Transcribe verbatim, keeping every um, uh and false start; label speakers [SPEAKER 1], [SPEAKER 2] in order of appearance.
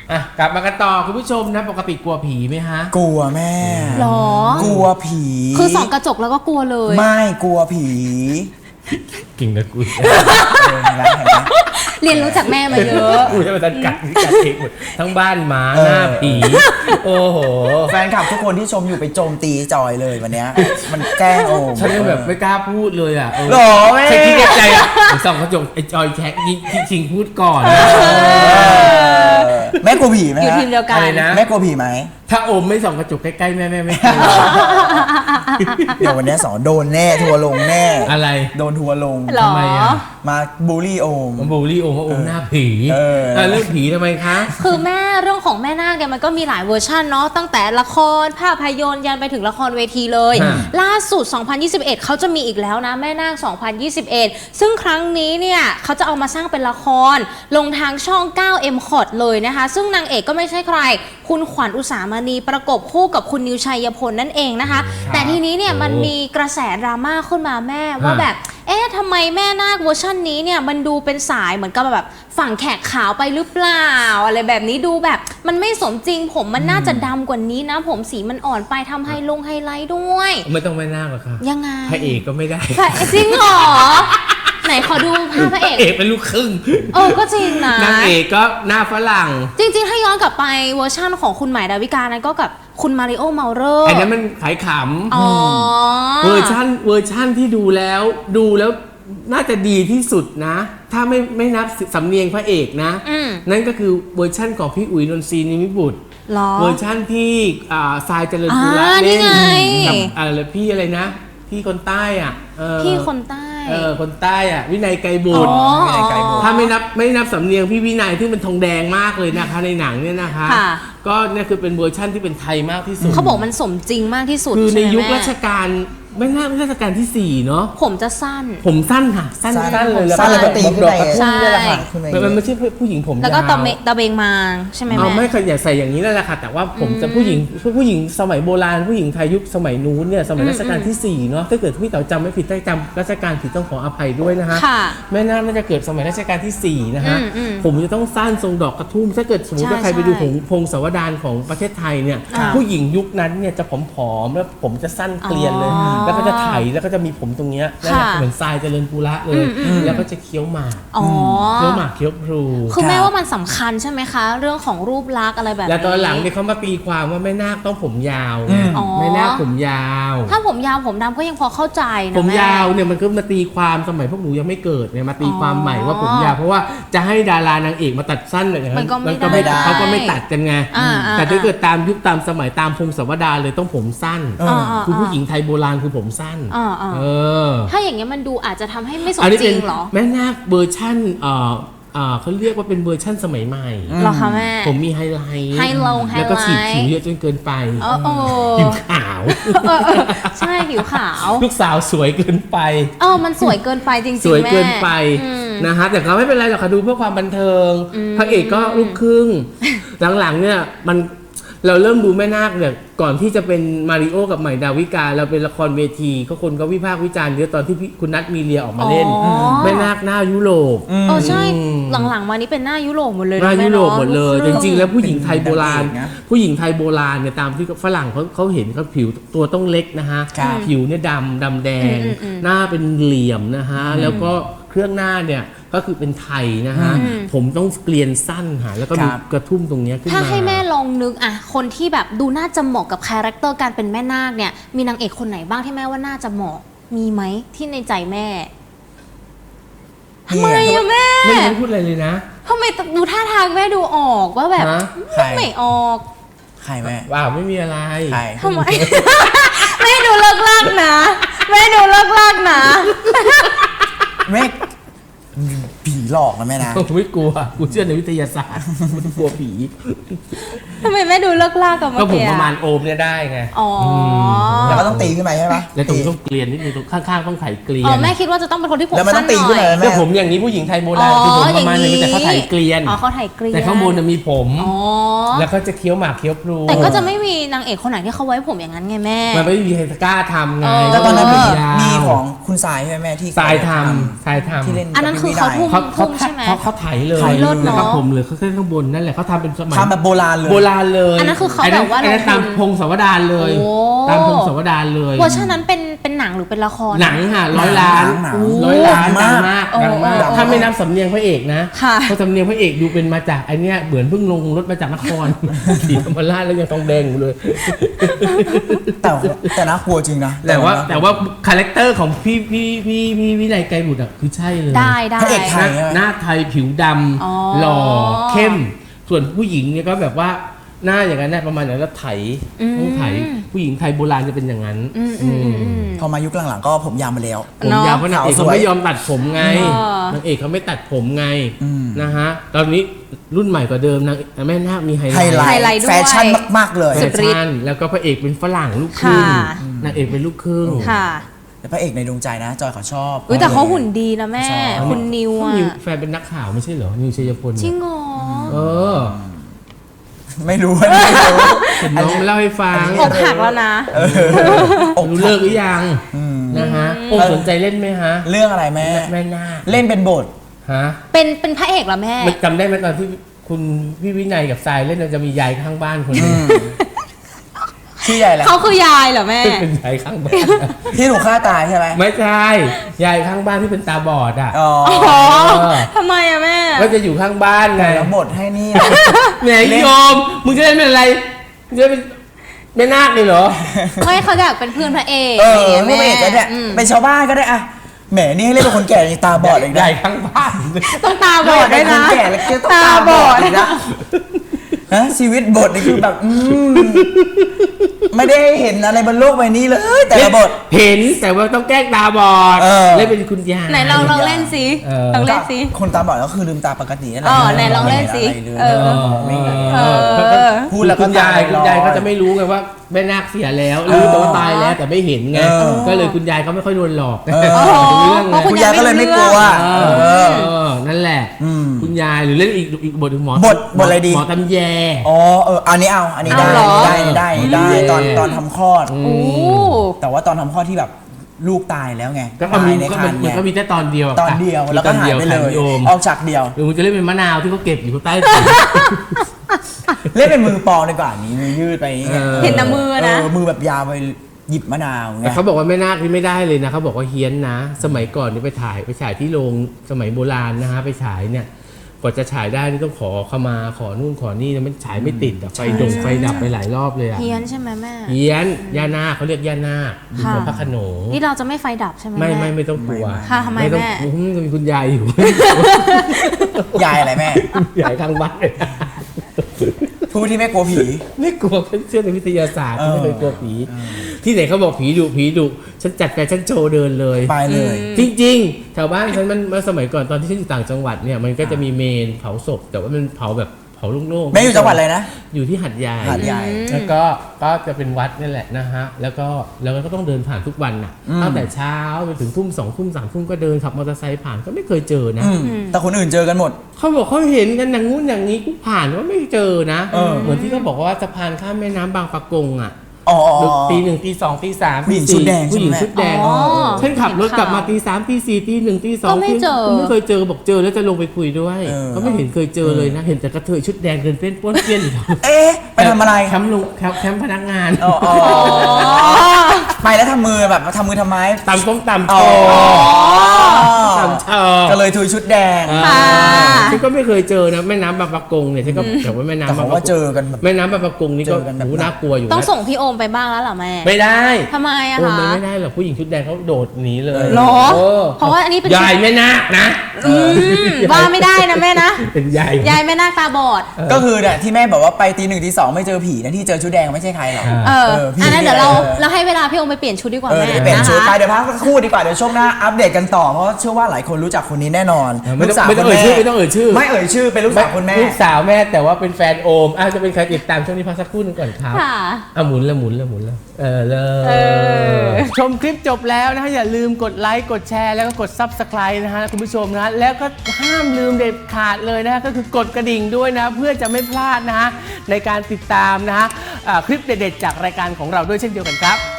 [SPEAKER 1] อ่ะกลับมากันต่อคุณผู้ชมนะปกติกลัวผีไหมฮะ
[SPEAKER 2] กลัวแม่
[SPEAKER 3] หรอก
[SPEAKER 2] ลัวผี
[SPEAKER 3] คือส่องกระจกแล้วก็กลัวเลย
[SPEAKER 2] ไม่กลัวผี
[SPEAKER 1] กิ่งนะกู
[SPEAKER 3] เรียนรู้จากแม่มาเยอะ
[SPEAKER 1] กูจะมาตัดกัดกัดเองหมดทั้งบ้านหมาหน้าผีโอ้โห
[SPEAKER 2] แฟนคลับทุกคนที่ชมอยู่ไปโจมตีจอยเลยวันนี้มันแกล้งโอม
[SPEAKER 1] ฉันแบบไม่กล้าพูดเลยอ่ะ
[SPEAKER 2] หรอแม่
[SPEAKER 1] ฉันคิดในใจอ่ะส่องกระจกไอ้จอยแท็กยิงชิงพูดก่อน
[SPEAKER 2] แม่กลัวผีไหม
[SPEAKER 3] อยู่ทีมเดียวกัน
[SPEAKER 2] แม่กลัวผีไหม
[SPEAKER 1] ถ้าโอมไม่ส่องกระจกใกล้ๆแม่แม่ไม่
[SPEAKER 2] เดี๋ยววันนี้สอนโดนแน่ทัวลงแน่
[SPEAKER 1] อะไร
[SPEAKER 2] โดนทัวลง
[SPEAKER 3] ทำไมอ่ะ
[SPEAKER 2] มาบูลลี่โอม
[SPEAKER 1] บูลลี่โอมว่าโอมหน้าผีเออเรื่องผีทำไมคะ
[SPEAKER 3] คือแม่เรื่องของแม่นาคเนี่ยมันก็มีหลายเวอร์ชันเนาะตั้งแต่ละครภาพยนตร์ยันไปถึงละครเวทีเลยล่าสุดสองพันยี่สิบเอ็ดเขาจะมีอีกแล้วนะแม่นาคสองพันยี่สิบเอ็ดซึ่งครั้งนี้เนี่ยเขาจะเอามาสร้างเป็นละครลงทางช่อง เก้า เอ็ม คอร์ด เลยนะคะซึ่งนางเอกก็ไม่ใช่ใครคุณขวัญอุสามณีประกบคู่กับคุณนิวชัยพลนั่นเองนะคะแต่ทีนี้เนี่ยมันมีกระแสดราม่าขึ้นมาแม่ว่าแบบเอ๊ะทำไมแม่นาคเวอร์ชันนี้เนี่ยมันดูเป็นสายเหมือนกับแบบฝั่งแขกขาวไปหรือเปล่าอะไรแบบนี้ดูแบบมันไม่สมจริงผมมันน่าจะดำกว่านี้นะผมสีมันอ่อนไปทำไฮลงไฮไลท์ด้วย
[SPEAKER 1] ไม่ต้องแม่นาคหรอกค่ะ
[SPEAKER 3] ยังไง
[SPEAKER 1] พระเอกก็ไม่ได้
[SPEAKER 3] จริงเหรอไหนขอดูภาพพระเอก
[SPEAKER 1] เอกเป็นลูกครึ่ง
[SPEAKER 3] เออก็จริงนะ
[SPEAKER 1] นางเอกก็หน้าฝรั่ง
[SPEAKER 3] จริงๆถ้าย้อนกลับไปเวอร์ชั่นของคุณใหม่ดาวิกานั้นก็กับคุณมาริโอเมาเลอร์
[SPEAKER 1] อันนั้นมันขายขำเวอร์ชั่นเวอร์ชั่นที่ดูแล้วดูแล้วน่าจะดีที่สุดนะถ้าไม่ไม่นับสำเนียงพระเอกนะนั่นก็คือเวอร์ชั่นของพี่อุ๋ยนนทรีนิมิบุตรเวอร์ชั่นที่ทรายเจริญปุระเล่นกับอะไรพี่อะไรนะพี่คนใต้อ่ะ
[SPEAKER 3] พี่คนใต้
[SPEAKER 1] เออคนใต้อ่ะวินัยไกรบุตรถ้าไม่นับไม่นับสำเนียงพี่วินัยที่มันทองแดงมากเลยนะคะในหนังเนี่ยนะคะก็เนี่ยคือเป็นเวอร์ชั่นที่เป็นไทยมากที่สุด
[SPEAKER 3] เขาบอกมันสมจริงมากที่สุด
[SPEAKER 1] คือในยุครัชกาลไม่น่ารัชกาลที่สี่เนาะ
[SPEAKER 3] ผมจะสั้น
[SPEAKER 1] ผมสั้นค่ะสั้นสั้นเลยแล้ว
[SPEAKER 2] สั้นแล้วก็ตีขึ้นไป
[SPEAKER 3] ใช่
[SPEAKER 1] มันไม่ใช่ผู้หญิงผมยาว
[SPEAKER 3] แล้วก็ตะเมตะเบงมาใช่ไหมแม่
[SPEAKER 1] เอาไม่เคยอยากใส่อย่างนี้นั่นแหละค่ะแต่ว่าผมจะผู้หญิงผู้หญิงสมัยโบราณผู้หญิงไทยยุคสมัยนู้นเนี่ยสมัยรัชกาลที่สี่เนาะถ้าเกิดพี่เต๋อจำไม่ผิดได้จำรัชกาลผิดต้องขออภัยด้วยนะฮะแม่น่าน่าจะเกิดสมัยรัชกาลที่สี่นะฮะผมจะต้องสั้นทรงดอกกระทุ่มถ้าเกิดสมมติว่าใครไปดูของพงศาวดารของประเทศไทยเนี่ยผู้หญิงยุคนั้นเนี่ยจะผอมๆแล้วผมจะสั้นเกลียนเลยแล้วก็จะไถแล้วก็จะมีผมตรงเนี้ยเหมือนทรายเจริญปุระเลยแล้วก็จะเคี้ยวหมากเคี้ยวหมากเคี้ยวพลู
[SPEAKER 3] คือแม่ว่ามันสำคัญใช่ไหมคะเรื่องของรูปลักษณ์อะไรแบบนี้
[SPEAKER 1] แล้วตอนหลังเนี่ยเขามาตีความว่าแม่นาคต้องผมยาวแม่นาคผมยาว
[SPEAKER 3] ถ้าผมยาวผมดำก็ยังพอเข้าใจนะ
[SPEAKER 1] ผมยาวเนี่ยมันก็มาตีความสมัยพวกหนูยังไม่เกิดเนี่ยมาตีความใหม่ว่าผมยาวเพราะว่าจะให้ดารานางเอกมาตัดสั้นอะไรอย่างเงี้ยมันก็ไม่ได้เขาก็ไม่ตัดกันไงแต่ถ้าเกิดตามยุคตามสมัยตามพงศาวดารเลยต้องผมสั้นคือผู้หญิงไทยโบราณคือผมสั้น
[SPEAKER 3] ถ้าอย่างเงี้ยมันดูอาจจะทำให้ไม่สมจริงหรอ
[SPEAKER 1] แม่นาคเวอร์ชั่นเอ่อเขาเรียกว่าเป็นเวอร์ชั่นสมัยใหม่
[SPEAKER 3] หรอคะแม่
[SPEAKER 1] ผมมีไฮไลท์
[SPEAKER 3] ไฮลงไฮไลท์
[SPEAKER 1] แล้วก็ฉีดผิวเยอะจนเกินไปผิวขาว
[SPEAKER 3] ใช่ผิวขาว
[SPEAKER 1] ลูกสาวสวยเกินไป
[SPEAKER 3] เออมันสวยเกินไปจริงๆ
[SPEAKER 1] สวยเกินไปนะฮะแต่เขาไม่เป็นไรหรอกค่ะดูเพื่อความบันเทิงพระเอกก็ลูกครึ่งหลังๆเนี่ยมันเราเริ่มดูแม่นาคเนี่ยก่อนที่จะเป็นมาริโอกับใหม่ดาวิกาเราเป็นละครเวทีก็คนก็วิพากษ์วิจารณ์เยอะตอนที่คุณนัทมีเลียออกมาเล่นแม่นาคหน้ายุโรป
[SPEAKER 3] เออใช่หลังๆมานี้เป็นหน้ายุโรปหมดเลย
[SPEAKER 1] หน้ายุโรปหมดเลยจริงๆแล้วผู้หญิงไทยโบราณผู้หญิงไทยโบราณเนี่ยตามที่ฝรั่งเขาเขาเห็นเขาผิวตัวต้องเล็กนะฮะผิวเนี่ยดำดำแดงหน้าเป็นเหลี่ยมนะฮะแล้วก็เครื่องหน้าเนี่ยก็คือเป็นไทยนะฮะผมต้องเกลียนสั้นค่ะแล้วก็มีกระทุ่มตรงนี้ขึ้นมา
[SPEAKER 3] ถ้าให้แม่ลองนึกอะคนที่แบบดูน่าจะเหมาะกับคาแรคเตอร์การเป็นแม่นาคเนี่ยมีนางเอกคนไหนบ้างที่แม่ว่าน่าจะเหมาะมีไหมที่ในใจแม่ทำไมอะแม่
[SPEAKER 1] ไม่ได้พูดอะไรเลยนะ
[SPEAKER 3] ทำไมดูท่าทางแม่ดูออกว่าแบบไม่ออก
[SPEAKER 2] ใครแม่
[SPEAKER 1] ว้าวไม่มีอะไร
[SPEAKER 3] ทำไมแม่ดูเลิกลากนะแม่ดูเลิกลากนะ
[SPEAKER 2] แม่ผีหลอกนะแม่นะ
[SPEAKER 1] ไม่กลัวกูเชื่อในวิทยาศาสตร์ไม่กลัวผี
[SPEAKER 3] ทำไมแม่ดูเลิกลากกับเมื่อกี้
[SPEAKER 1] ก็ผมประมาณโอมเนี่ยได้ไง
[SPEAKER 3] อ๋อ
[SPEAKER 2] แล้วก็ต้องตีขึ้นไปใช่ไหม
[SPEAKER 1] แล้วตรงต้องเกลียนนิดนึงตรงข้างๆต้องไถเกลียน
[SPEAKER 3] อ๋อแม่คิดว่าจะต้องเป็นคนที่ผมสั้นหน่อย
[SPEAKER 1] แต่ผมอย่างนี้ผู้หญิงไทยโบราณคือผมประมาณนึงแต่เขาไถเกลียน
[SPEAKER 3] อ๋อเขาไถเกลียน
[SPEAKER 1] แต่ข้างบนมีผมแล้วเขาจะเคี้ยวหมากเคี้ยวพลู
[SPEAKER 3] แต่ก็จะไม่มีนางเอกคนไหนที่เขาไว้ผมอย่างนั้นไงแม่
[SPEAKER 1] มันไม่มีใครกล้าทำไง
[SPEAKER 2] แต่ตอนนั้นมีของคุณสายใช่ไหมแม่ที่
[SPEAKER 1] สายทำสายทำ
[SPEAKER 3] อันนั้นคือเขาทุ่ม
[SPEAKER 1] เขาเขา
[SPEAKER 3] ทุ่มใช่ไหม
[SPEAKER 1] เขาเขาไถเลย
[SPEAKER 2] ไถเลย
[SPEAKER 1] นะครับผมเลยเขาแค่ข้างบนนั่นแหละเขาทำเป็นสมัย
[SPEAKER 2] ทำแบบโบราณเลย
[SPEAKER 1] โบราณเลย
[SPEAKER 3] อันนั้นคือเขาแบบว่า
[SPEAKER 1] อันนั้น
[SPEAKER 3] ลงทุน
[SPEAKER 1] ตามพงศาวดารเลย
[SPEAKER 3] โอ้
[SPEAKER 1] ตามพงศาวดารเลย
[SPEAKER 3] เวอร์ชันนั้นเป็นเป็นหนังหรือเป็นละคร
[SPEAKER 1] หนังค่ะร้อยล้าน
[SPEAKER 2] หนัง
[SPEAKER 1] ร้อยล้าน
[SPEAKER 2] ดั
[SPEAKER 1] ดั
[SPEAKER 2] ง
[SPEAKER 1] ง
[SPEAKER 2] มาม
[SPEAKER 1] าก กดังมาก
[SPEAKER 3] โอ้โอ้
[SPEAKER 1] ถ้าไม่นับสำเนียงพระเอกนะ
[SPEAKER 3] ค่ะ
[SPEAKER 1] เพราะสำเนียงพระเอกดูเป็นมาจากไอเนี้ยเหมือนเพิ่งลงรถมาจากนคร ศรีธรรมราชแล้วยังทองแดงอยู่เลย
[SPEAKER 2] แต่แต่น่ากลัวจริงนะ
[SPEAKER 1] แต่ว่าแต่ว่าคาแรคเตอร์ของพี่พี่พี่พี่วินัยไกรบุตรอ่ะคือใช่เลย
[SPEAKER 3] ได้ได้
[SPEAKER 2] พระเอกไทย
[SPEAKER 1] หน้าหน้าไทยผิวด
[SPEAKER 3] อ๋อ
[SPEAKER 1] ำหล่อเข้ม ส่วนผู้หญิงเนี่ยก็แบบว่าหน้าอย่างนั้นนะประมาณอย่างนั้นแล้วไถต้องไถผู้หญิงไทยโบราณจะเป็นอย่างนั้น
[SPEAKER 3] อืมอืมอืมอืม
[SPEAKER 2] พอมายุคหลังๆก็ผมยาวมาแล้ว
[SPEAKER 1] ผมยาวเพราะนางเอก
[SPEAKER 2] ขาวสวย
[SPEAKER 1] เขาไม่ยอมตัดผมไง
[SPEAKER 3] เออ
[SPEAKER 1] นางเอกเขาไม่ตัดผมไง
[SPEAKER 2] อืม
[SPEAKER 1] นะฮะตอนนี้รุ่นใหม่กว่าเดิมนางแม่นาคมีไฮ
[SPEAKER 2] ไฮไล
[SPEAKER 1] ไล
[SPEAKER 3] ไฮ
[SPEAKER 1] ท์
[SPEAKER 3] ไลท์
[SPEAKER 2] ท์
[SPEAKER 3] ด้วย
[SPEAKER 2] แฟชั่นมากๆเลย
[SPEAKER 1] แฟ
[SPEAKER 3] สุดฤทธิ์
[SPEAKER 1] ชั่นแล้วก็พระเอกเป็นฝรั่งลูกครึ่ง
[SPEAKER 3] ค่ะ
[SPEAKER 1] นางเอกเป็นลูกครึ่ง
[SPEAKER 3] ค่ะ
[SPEAKER 2] แต่พระเอกในดวงใจนะ จอยเขาชอบ
[SPEAKER 3] อุ้ยแต่เขาหุ่นดีนะแม่
[SPEAKER 2] ชอบ
[SPEAKER 3] คุณนิวอ่ะ
[SPEAKER 1] นิวแฟนเป็นนักข่าวไม่ใช่เหรอนิวชัยพล
[SPEAKER 3] จริ
[SPEAKER 1] เนี่
[SPEAKER 3] ง
[SPEAKER 1] ย
[SPEAKER 3] เหรอ
[SPEAKER 1] เออ
[SPEAKER 2] ไม่รู้ไม่รู้
[SPEAKER 1] เห็นน้องมาเล่าให้ฟัง
[SPEAKER 3] อกหักแล้วนะ
[SPEAKER 2] อก
[SPEAKER 1] รู้
[SPEAKER 2] หั
[SPEAKER 1] เลิ
[SPEAKER 2] ก
[SPEAKER 1] กหรือยังนะฮะโอ้สนใจเล่นไหมฮะ
[SPEAKER 2] เรื่องอะไรแม่
[SPEAKER 1] แม่นาค
[SPEAKER 2] เล่นเป็นบท
[SPEAKER 1] ฮะ
[SPEAKER 3] เป็นเป็นพระเอกเหรอแม่
[SPEAKER 1] มันจำได้ไหมตอนที่คุณพี่วินัยกับทรายเล่นเราจะมียายข้างบ้านคนหนึง
[SPEAKER 2] ชื่อใหญ่แหละ
[SPEAKER 3] เขาคือยายเหรอแม่
[SPEAKER 1] เป็นยายข้างบ้าน
[SPEAKER 2] ที่ถูกฆ่าตายใช่ไหม
[SPEAKER 1] ไม่ใช่ยายข้างบ้านที่เป็นตาบอดอ่ะ
[SPEAKER 2] อ๋อ
[SPEAKER 3] อ๋อ
[SPEAKER 1] เออ
[SPEAKER 3] ทำไมอะแม่
[SPEAKER 1] ก็จะอยู่ข้างบ้านไง
[SPEAKER 2] แต่แล้วบทให้นี่
[SPEAKER 1] แหมโยมมึงจะเล่นเป็นอะไรมึงจะเป็นแม่นาคเลยเหรอ
[SPEAKER 3] ไม่เขาอยากเป็นเพื่อนพระเอก
[SPEAKER 2] เอ
[SPEAKER 3] อะไร
[SPEAKER 2] อ
[SPEAKER 3] อย่าง
[SPEAKER 2] ไม่
[SPEAKER 3] เงี้ย
[SPEAKER 2] เป็นก็
[SPEAKER 3] แม่
[SPEAKER 2] ได้
[SPEAKER 3] อืม
[SPEAKER 2] เป็นชาวบ้านก็ได้อะแหมนี่ให้เล่นเป็นคนแก่ยังตาบอดเลย
[SPEAKER 1] ยายข้างบ้าน
[SPEAKER 3] ต้องตาบอดด้วยนะ
[SPEAKER 2] เป็นคนแก่แล้วก็ต้องตาบอดอีกนะฮะชีวิตบทนี่คือแบบอืมไม่ได้เห็นอะไรบนโลกใบนี้เลย แต่ละบท
[SPEAKER 1] เห็นแต่ว่าต้องแกล้งตาบอด
[SPEAKER 2] เออ
[SPEAKER 1] เล่นเป็นคุณยาย
[SPEAKER 3] ไหนลองลองเล่นสิ
[SPEAKER 1] เออ
[SPEAKER 3] ลองเล่นสิ
[SPEAKER 2] คนตาบอดก็คือลืมตาปกตินั่นแหละ
[SPEAKER 3] อ๋อไหนลองเล่นสิ
[SPEAKER 2] ไม่ห็
[SPEAKER 3] เออ
[SPEAKER 2] อะไรเลยไม่เห็น
[SPEAKER 3] เออ
[SPEAKER 2] พูดแล้วก็
[SPEAKER 1] คุณยาย
[SPEAKER 2] ตาลอย
[SPEAKER 1] คุณยายเขาจะไม่รู้ไงว่าแม่นาคเสียแล้วรู้แต่ว่าตายแล้วแต่ไม่เห็นไง
[SPEAKER 2] เออ
[SPEAKER 1] ก็เลยคุณยายเขาไม่ค่อยโดนหลอก
[SPEAKER 2] เออ
[SPEAKER 3] อ๋อ
[SPEAKER 1] เรื่อง
[SPEAKER 3] เพราะ
[SPEAKER 1] ไง
[SPEAKER 2] คุณยายก็เลยไม่กลัว
[SPEAKER 1] เอ
[SPEAKER 2] เอ
[SPEAKER 1] อ
[SPEAKER 2] อ
[SPEAKER 1] เออนั่นแหละ
[SPEAKER 2] อืม
[SPEAKER 1] คุณยายหรือเล่นอีกอีกบทหนึ่งหมอบ
[SPEAKER 2] ทบทอะไรดี
[SPEAKER 1] หมอตำแย
[SPEAKER 2] อ๋อเอออันนี้เอาอันนี้ได้
[SPEAKER 3] เอาเหรอ
[SPEAKER 2] ได้ได้ได้
[SPEAKER 1] อืม
[SPEAKER 2] ตอนตอนทำคลอด
[SPEAKER 1] อืม
[SPEAKER 3] โอ้
[SPEAKER 2] แต่ว่าตอนทำคลอดที่แบบลูกตายแล้วไง
[SPEAKER 1] ก็
[SPEAKER 2] ตา
[SPEAKER 1] มี
[SPEAKER 2] ยใน
[SPEAKER 1] ก็
[SPEAKER 2] คร
[SPEAKER 1] มั
[SPEAKER 2] ร
[SPEAKER 1] น
[SPEAKER 2] ภ์
[SPEAKER 1] มัน
[SPEAKER 2] ไง
[SPEAKER 1] ก็มีแค่ตอนเดียวะ
[SPEAKER 2] ตอนเดียว
[SPEAKER 1] มี
[SPEAKER 2] แล้วก็หายไปเลย
[SPEAKER 1] โยม
[SPEAKER 2] ออกจากเดียว
[SPEAKER 1] หรือมันจะเล่นเป็นมะนาวที่เขาเก็บอยู่ใต้
[SPEAKER 2] เล่นเป็นมือปองดีกว่านี้มือยืดไปอย่างเงี้ย
[SPEAKER 1] เออ
[SPEAKER 3] เห็นแต่มือนะ
[SPEAKER 2] เออมือแบบยาวไปหยิบมะนาวไง
[SPEAKER 1] แต่เขาบอกว่าแม่นาคนี่ไม่ได้เลยนะเขาบอกว่าเฮี้ยนนะ สมัยก่อนนี่ไปถ่ายไปฉายที่โรงสมัยโบราณนะฮะไปฉายเนี่ยกว่าจะฉายได้นี่ต้องขอขมาขอนู่นขอนี่นะมันฉายไม่ติดอะไฟดงไฟดับไปหลายรอบเลยอะ
[SPEAKER 3] เฮียนใช่ไหมแม่
[SPEAKER 1] เฮี้ยนย่านาคเขาเรียกย่านาคอยู่
[SPEAKER 3] ค่ะ
[SPEAKER 1] กับพระโขนง
[SPEAKER 3] นี่เราจะไม่ไฟดับใช่ไหม
[SPEAKER 1] ไม่
[SPEAKER 3] แ
[SPEAKER 1] ไม่ไม่ต้องกลัว
[SPEAKER 3] ค่ะทำไม
[SPEAKER 1] ต้อง
[SPEAKER 3] แม่
[SPEAKER 1] อืมมีคุณยายอยู่
[SPEAKER 2] ยายอะไรแม่
[SPEAKER 1] ยายข้างบ้าน
[SPEAKER 2] ผู้ที่ไม่กลัวผี
[SPEAKER 1] ไม่กลัวเชื่อในวิทยาศาสตร์
[SPEAKER 2] เออ
[SPEAKER 1] ไม่เคยกลัวผี ที่ไหนเขาบอกผีดุผีดุฉันจัดแฟชั่นโชว์เดินเลย
[SPEAKER 2] ไปเลย
[SPEAKER 1] จริงๆแถวบ้านฉันมันเมื่อสมัยก่อนตอนที่ฉันอยู่ต่างจังหวัดเนี่ยมันก็จะมีเมนเผาศพ แต่ว่ามันเผาแบบเผาโล่งๆ
[SPEAKER 2] แม่อยู่จังหวัดอะไรนะ
[SPEAKER 1] อยู่ที่หัดใหญ่
[SPEAKER 2] หาดใหญ่
[SPEAKER 1] แล้วก็ก็จะเป็นวัดนี่แหละนะฮะแล้วก็แล้วก็ต้องเดินผ่านทุกวันน่ะ
[SPEAKER 2] อืม
[SPEAKER 1] ตั้งแต่เช้าไปถึงทุ่มสองทุ่มสามทุ่มก็เดินขับมอเตอร์ไซค์ผ่านก็ไม่เคยเจอนะ
[SPEAKER 2] อืมแต่คนอื่นเจอกันหมด
[SPEAKER 1] เขาบอกเขาเห็นกันอย่างงู้นอย่างนี้กูผ่านว่าไม่เจอนะ
[SPEAKER 2] เออ
[SPEAKER 1] เหมือนที่เขาบอกว่าสะพานข้ามแม่น้ำบางปะกงอ่ะ
[SPEAKER 2] อ๋ออ๋ออ๋อ
[SPEAKER 1] ตีหนึ่งตีสองตีสาม
[SPEAKER 2] ผู้หญิง
[SPEAKER 1] ตี
[SPEAKER 2] ชุดแดง
[SPEAKER 1] ผู้หญิง
[SPEAKER 2] ใช่ไหม
[SPEAKER 1] ชุดแดง
[SPEAKER 3] อ๋อ
[SPEAKER 1] ฉันขับรถกลับมาตีสามตีสี่ตีหนึ่งตีสอง
[SPEAKER 3] ก็ไม่เจอ
[SPEAKER 1] ไม่เคยเจอบอกเจอแล้วจะลงไปคุยด้วย
[SPEAKER 2] เออ
[SPEAKER 1] ก็ไม่เห็นเคยเจอเลยนะ เห็นแต่กระเทยชุดแดงเดินเต้นป้วนเปี้ยนอยู่
[SPEAKER 2] เอ๊ะไปทำอะไร
[SPEAKER 1] แคมป์ลงแคมป์แคมป์พนักงาน
[SPEAKER 2] อ๋ออ๋อไปแล้วทำมือแบบทำมือทำไม
[SPEAKER 1] ตำต้มตำโช
[SPEAKER 2] อ๋อ
[SPEAKER 1] ตำเชอ
[SPEAKER 2] ก็เลยทุยชุดแดง
[SPEAKER 3] ค่ะ
[SPEAKER 1] ฉันก็ไม่เคยเจอนะแม่น้ำบางปะกงเนี่ยฉันก็แต่ว่าแม่น้ำ
[SPEAKER 2] แต่
[SPEAKER 1] บาง
[SPEAKER 2] เขา
[SPEAKER 1] ปะ
[SPEAKER 2] ว่าก เจ
[SPEAKER 1] ง
[SPEAKER 2] อกันแบบ
[SPEAKER 1] แม่น้ำบางปะกงนี่ก็
[SPEAKER 2] เจอกันแบบ
[SPEAKER 1] หูน่ากลัวอยู่
[SPEAKER 3] ต้อง
[SPEAKER 1] นะ
[SPEAKER 3] ส่งพี่โอมไปบ้างแล้วเหรอแม่
[SPEAKER 1] ไม่ได้
[SPEAKER 3] ทำไมอะ
[SPEAKER 1] โอ้
[SPEAKER 3] คะ
[SPEAKER 1] มันไม่ได้หรอกผู้หญิงชุดแดงเขาโดดหนีเลย
[SPEAKER 3] หรอ
[SPEAKER 1] ออ
[SPEAKER 3] เพราะว่าอันนี้เป็น
[SPEAKER 1] ยายแม่นาคนะ
[SPEAKER 3] อืมว่าไม่ได้นะแม่นะ
[SPEAKER 1] เป็นยาย
[SPEAKER 3] ยายแม่นาคตาบอด
[SPEAKER 2] ก็คือเนี่ยที่แม่บอกว่าไปตีหนึ่งตีสองไม่เจอผีนะที่เจอชุดแดงไม่ใช่ใครหรอก
[SPEAKER 3] เออ
[SPEAKER 2] เออพี่
[SPEAKER 3] อันนั้นเดี๋ยวเรา
[SPEAKER 2] เออ
[SPEAKER 3] เราให้เวลาพี่โอมไปเปลี่ยนชุดดีกว่า
[SPEAKER 2] เออ
[SPEAKER 3] แม่
[SPEAKER 2] เดี๋ยวเปลี่ยน
[SPEAKER 3] นะ
[SPEAKER 2] ชุด
[SPEAKER 3] คะ
[SPEAKER 2] ไปเดี๋ยวพักสักครู่ดีกว่าเดี๋ยวช่วงหน้าอัปเดตกันต่อเพราะเชื่อว่าหลายคนรู้จักคนนี้แน่นอน
[SPEAKER 1] เออไม่ต้อง
[SPEAKER 2] ลูกสาว
[SPEAKER 1] ไม่ต้อง
[SPEAKER 2] คุณ
[SPEAKER 1] เอ่ยชื่อไม่ต้องเอ่ยชื่อ
[SPEAKER 2] ไม่เอ่ยชื่อเป็นลูกสาวคุณแม่
[SPEAKER 1] ลูกสาวแม่แต่ว่าเป็นแฟนโอมอ่ะจะเป็นใครติดตามช่วงนี้พักสักครู่หนึงก่อนครับ
[SPEAKER 3] ค่ะ
[SPEAKER 1] อ่ะหมุนแล้วหมุนแล้วหมุนแล้วเออเล
[SPEAKER 3] เอย อ
[SPEAKER 1] ชมคลิปจบแล้วนะฮะอย่าลืมกดไลค์กดแชร์แล้วก็กด ซับสไครบ์ นะฮะคุณผู้ชมนะฮะแล้วก็ห้ามลืมเด็ดขาดเลยนะฮะก็คือกดกระดิ่งด้วยนะเพื่อจะไม่พลาดนะฮะในการติดตามนะฮะอ่าคลิปเด็ดๆจากรายการของเราด้วยเช่นเดียวกันครับ